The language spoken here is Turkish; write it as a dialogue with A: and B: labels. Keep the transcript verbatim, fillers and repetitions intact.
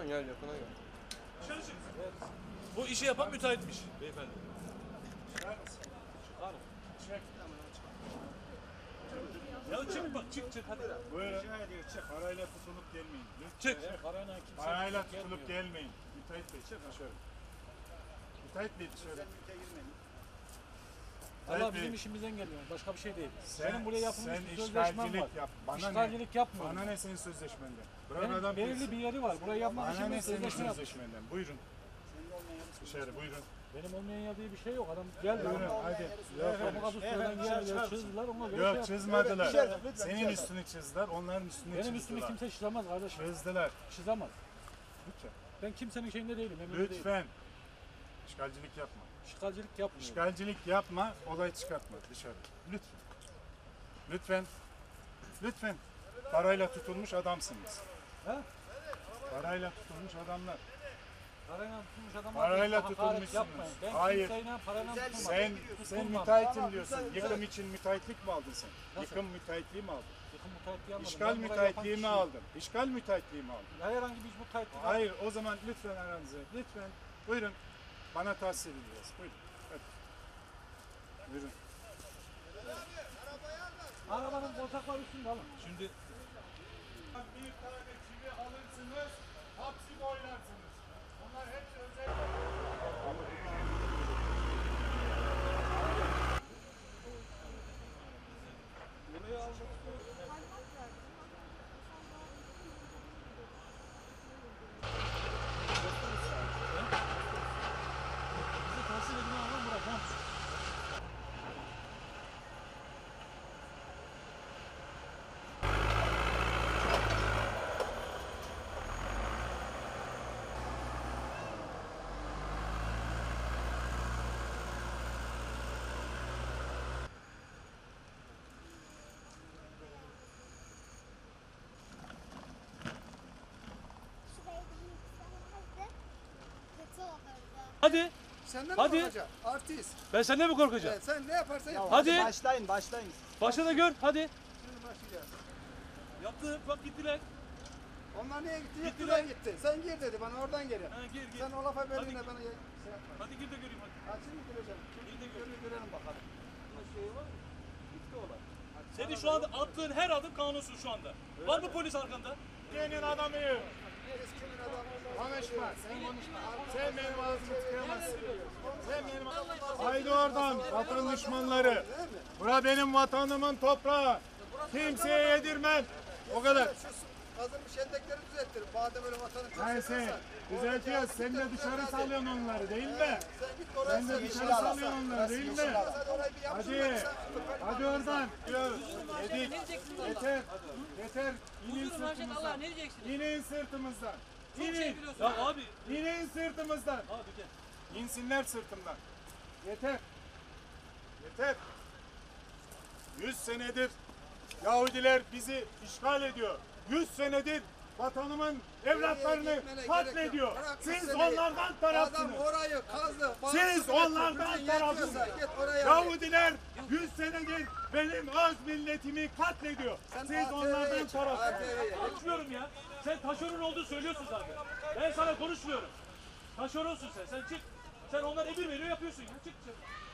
A: Gel yakına gel.
B: Dışarı çık. Evet. Bu işi yapan müteahhitmiş beyefendi.
C: Çıkar mısın?
B: Çıkar.
C: Çık.
B: Ya çık bak çık çık hadi.
C: Buyurun. Rica ediyor çık. Parayla tutulup gelmeyin. Lütfen.
B: Çık.
C: Çık.
B: Parayla kimse
C: Parayla tutulup gelmeyin. Müteahhit Bey çık dışarı. Müteahhit Bey dışarı.
D: Allah bizim işimizden geliyor. Başka bir şey değil.
C: Sen,
D: Benim buraya yapılmış
C: sen
D: bir sözleşmem var.
C: işgalcilik yap. Bana
D: İşgalcilik
C: ne?
D: yapmıyorum.
C: Bana ne senin sözleşmenden? Bırak
D: Benim
C: adam
D: belirli
C: bilsin.
D: bir yeri var. Burayı yapmak
C: Bana
D: için
C: ne
D: ben
C: senin
D: sözleşme yaptım.
C: sözleşmenden? Buyurun. Dışarı buyurun.
D: Benim olmayan yer diye bir şey yok. Adam geldi.
C: Buyurun hadi.
D: Avukatlıktan geldiler, çizdiler. Ona göre şey
C: Yok
D: yaptım.
C: çizmediler. Senin üstünü çizdiler, onların üstünü
D: Benim
C: çizdiler.
D: üstümü kimse çizemez kardeşim.
C: Çizdiler.
D: Çizemez.
C: Lütfen.
D: Ben kimsenin şeyinde değilim. emrinde değilim.
C: Lütfen. İşgalcilik yapma.
D: İşgalcilik yapmıyorum.
C: İşgalcilik yapma, olay çıkartma dışarı. Lütfen. Lütfen. Lütfen. Parayla tutulmuş adamsınız.
D: Ha?
C: Parayla tutulmuş adamlar.
D: Parayla tutulmuş adamlar.
C: Parayla
D: hakaret
C: tutulmuşsunuz.
D: yapmayın. Ben
C: Hayır.
D: kimseyle parayla tutulmadım.
C: Sen sen
D: Tutulmam.
C: müteahhitim diyorsun. Yıkım için müteahhitlik mi aldın sen?
D: Nasıl?
C: Yıkım müteahhitliği mi aldın?
D: Yıkım müteahhitliği almadım.
C: İşgal
D: Ben burayı
C: müteahhitliği mi
D: yapan
C: aldın? İşgal müteahhitliği mi aldın?
D: kişiyim. Herhangi bir iş müteahhitliği
C: Hayır, o zaman lütfen aranızı. Lütfen. Buyurun. Bana tahsis edeceğiz. Buyurun. Hadi. Buyurun.
D: Arabanın bozaklar üstünde alın.
B: Şimdi
C: Bir tane çivi alırsınız, hapsi boylarsınız. Onlar hepsi özel.
D: Bizi tahsil edin alalım bırak. Ha?
E: Şurayı da yükselmezdi. Kötü olurdu.
B: hadi.
F: Senden
B: Hadi.
F: mi korkacağım? Artist.
B: Ben senden mi korkacağım?
F: Evet, sen ne yaparsan yap.
B: Hadi.
G: Başlayın, başlayın.
B: Başla da gör hadi.
F: Şimdi başlayacağız.
B: Yaptı bak gittiler.
F: Onlar niye gitti?
B: Gittiler.
F: Gittiler gitti. Sen gir dedi bana oradan geri.
B: Ha, gir gir.
F: Sen o lafa
B: Hadi
F: verdiğinde
B: gir.
F: bana şey yapma.
B: Hadi gir de göreyim hadi.
F: Ha şimdi gireceğim.
B: Gir de
F: Şimdi
B: gör.
F: görelim, görelim bakalım. Bunun şeyi var. Gitti olay.
B: Senin şu anda attığın her adım kanunsuz şu anda. Var mı polis arkanda?
C: Senin adamıyım.
F: Biz kimin adamı?
C: Konuşma. Sen konuşma. Sen benim ağzımı tıkayamazsın. Sen benim ağzımı. Haydi oradan vatan düşmanları. Bura benim vatanımın toprağı. Kimseye yedirmem. O kadar.
F: Şu kazılmış endekleri düzelttir. Madem öyle vatanı çok
C: Neyse.
F: seviyorsan.
C: Düzeltiyoruz. Sen de dışarı salıyorsun onları değil mi?
F: Sen git oraya
C: Sen de
F: sen
C: dışarı salıyorsun onları değil mi?
F: Hadi orayı bir yapsın.
C: Hadi. Hadi oradan. Yedik. Yeter. Yeter. İnin sırtımızdan. İnin sırtımızdan. İnin.
B: Ya abi.
C: İnin sırtımızdan.
B: Abi gel.
C: İnsinler sırtımdan. Yeter. Yeter. Yüz senedir Yahudiler bizi işgal ediyor. Yüz senedir vatanımın evlatlarını katlediyor. Siz onlardan tarafsınız.
F: Adam orayı kazdı.
C: Siz onlardan tarafsınız.
F: Git oraya.
C: Yahudiler yüz senedir benim öz milletimi katlediyor. Siz onlardan tarafsınız.
B: Konuşmuyorum ya. Sen taşeron olduğunu söylüyorsun zaten. Ben sana konuşmuyorum. Taşeronsun sen. Sen çık. Sen onlar emir veriyor yapıyorsun ya. Çık çık.